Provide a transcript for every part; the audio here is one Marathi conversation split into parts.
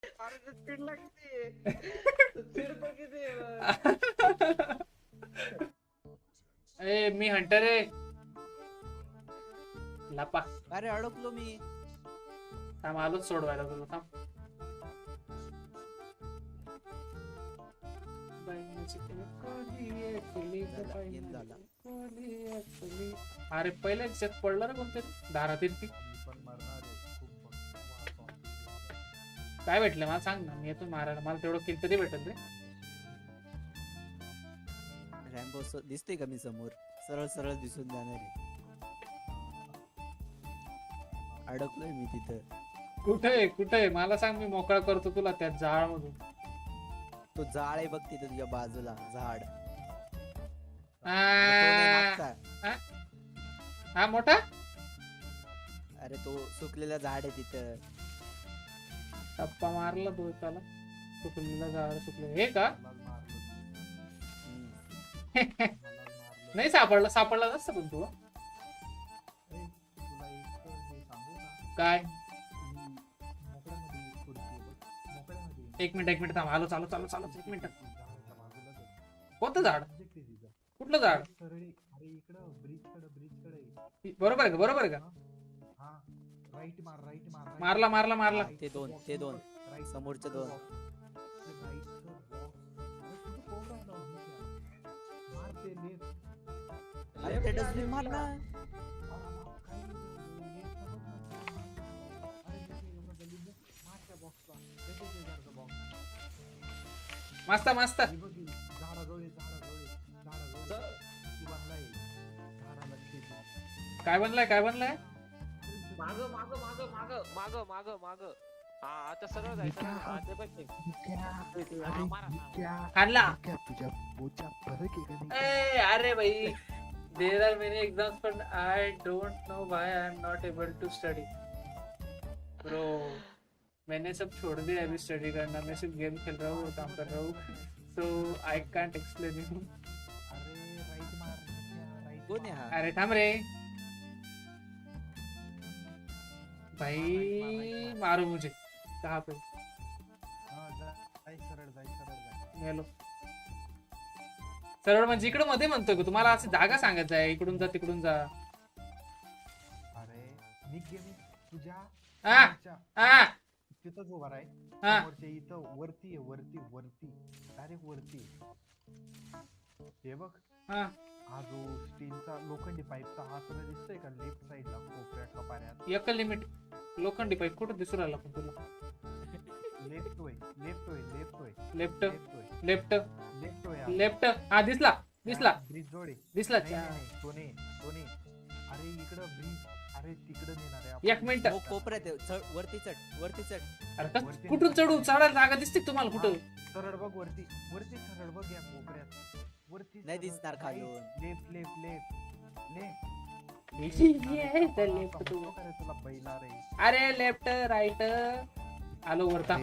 अरे स्पीडला किती स्पीड पण किती आहे? ए मी हंटर आहे. लपा. अरे अडकलो मी. थांब आलोच सोडवायला तुला. थांब. अरे पहिल्या दिवसात पडलं ना कोणतरी दारातील पीक. काय भेटलं मला सांग ना, मी येतो मारायला. मला तेवढं किल तरी भेटल रे. रॅम्बो दिसते का मी समोर? सरळ सरळ दिसून जाणार आहे. अडकलोय मी तिथं. कुठे मला सांग, मी मोकळा करतो तुला त्या जाळ मधून. तो जाळ आहे बघ तिथं तुझ्या बाजूला झाड. हा मोठा. अरे तो सुकलेला झाड आहे तिथं. टप्पा मारला तो त्याला. सुकलेला झाड सुकले हे का? नाही सापडला नसतं पण तू. काय? एक मिनिट थांब. आलो चालू एक मिनिट. कोणतं झाड? कुठलं झाड? बरोबर आहे का? मारला. ते दोन समोरचे दोन. अरे ते डस्टबिन मार ना. मस्त. काय बनलाय? माग हा आता सरळ जायचं ना. हा, ते बघ ते. खाल्ला. तुझ्या पोचा फरक आहे का नाही? अरे भाई, there are many exams but I don't know why I am not able to study. Bro, मैंने सब छोड़ दिया अभी स्टडी करना. मैं सिर्फ गेम खेल रहा हूँ और काम कर रहा हूँ. So I can't explain you. कोण आहे हा? अरे थांब रे भाई, मारो मुझे. कहाँ पे? हॅलो. सरळ म्हणजे इकडं मध्ये म्हणतोय का तुम्हाला? असं जागा सांगायचं आहे, इकडून जा तिकडून जा. अरे मी गेम तुझ्या तिथंच उभा आहे. समोरच्या इथं वरती डायरेक्ट वरती. हे बघ हा जो स्टीलचा लोखंडी पाईपचा हा सगळं दिसतोय का लेफ्ट साइडला कोपऱ्यात कपाऱ्यात? एक लिमिट. लोखंडी पाईप कुठं दिसू राहिला पण तुला? लेफ्ट. हा दिसला. ब्रिज जोडे दिसला. सोने. अरे इकडं ब्रिज. अरे तिकडं नेणार आहे. एक मिनिट. कोपऱ्यात आहे. वरती चढ. अरे कुठून चढू? चढायला जागा दिसते तुम्हाला कुठं? सरळ बघ वरती सरळ बघ या कोपऱ्यात. वरती नाही दिसणार खालून. लेफ्ट. तुला बैला रे. अरे लेफ्ट राईट. आलो वरता.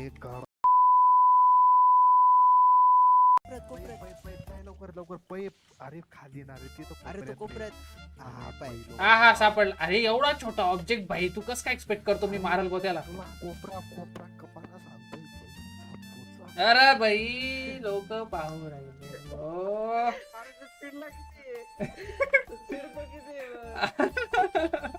लवकर पैप. अरे खाली ना रे तिथं. अरे तो कोपऱ्यात. हा सापडला. अरे एवढा छोटा ऑब्जेक्ट भाई, तू कसं काय एक्सपेक्ट करतो मी मारल गो त्याला? कोपरा कपाला सांगतोय. अरे भाई लोक पाहू राहिले. स्पीडला किती स्पीड पण किती